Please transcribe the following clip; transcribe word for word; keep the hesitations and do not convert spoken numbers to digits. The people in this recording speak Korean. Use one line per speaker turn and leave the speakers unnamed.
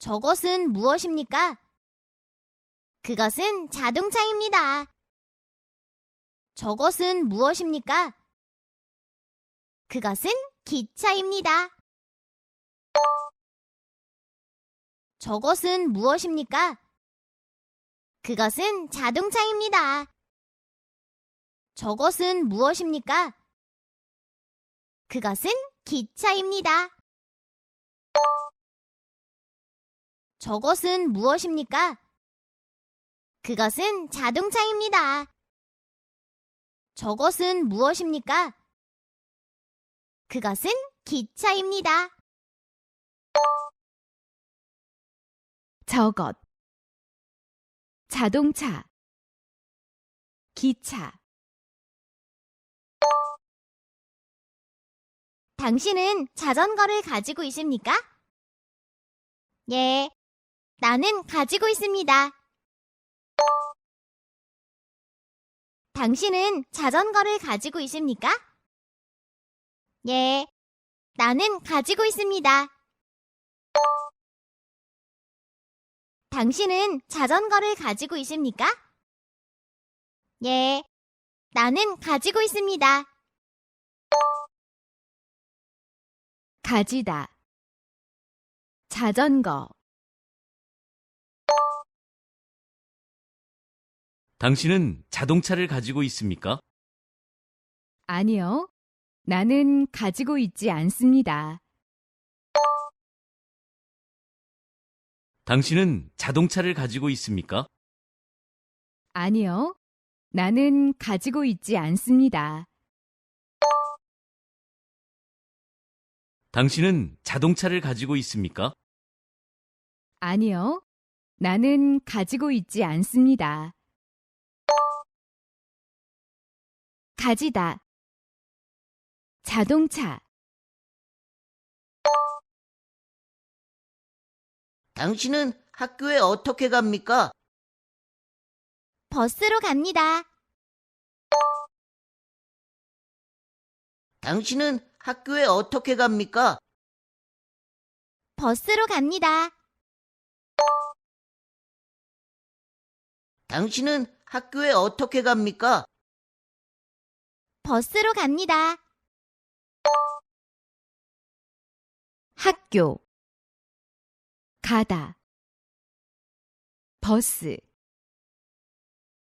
저것은 무엇입니까? 그것은 자동차입니다. 저것은 무엇입니까? 그것은 기차입니다. 저것은 무엇입니까? 그것은 자동차입니다. 저것은 무엇입니까? 그것은 기차입니다. 저것은 무엇입니까? 그것은 자동차입니다. 저것은 무엇입니까? 그것은 기차입니다.
저것, 자동차, 기차.
당신은 자전거를 가지고 있습니까? 예, 나는 가지고 있습니다. 당신은 자전거를 가지고 있습니까? 예, 나는 가지고 있습니다. 당신은 자전거를 가지고 있습니까? 예, 나는 가지고 있습니다.
가지다, 자전거.
당신은 자동차를 가지고 있습니까?
아니요, 나는 가지고 있지 않습니다.
당신은 자동차를 가지고 있습니까?
아니요, 나는 가지고 있지 않습니다.
당신은 자동차를 가지고 있습니까?
아니요, 나는 가지고 있지 않습니다. 가지다, 자동차.
당신은 학교에 어떻게 갑니까?
버스로 갑니다.
당신은 학교에 어떻게 갑니까?
버스로 갑니다.
당신은 학교에 어떻게 갑니까?
버스로 갑니다.
학교, 가다, 버스.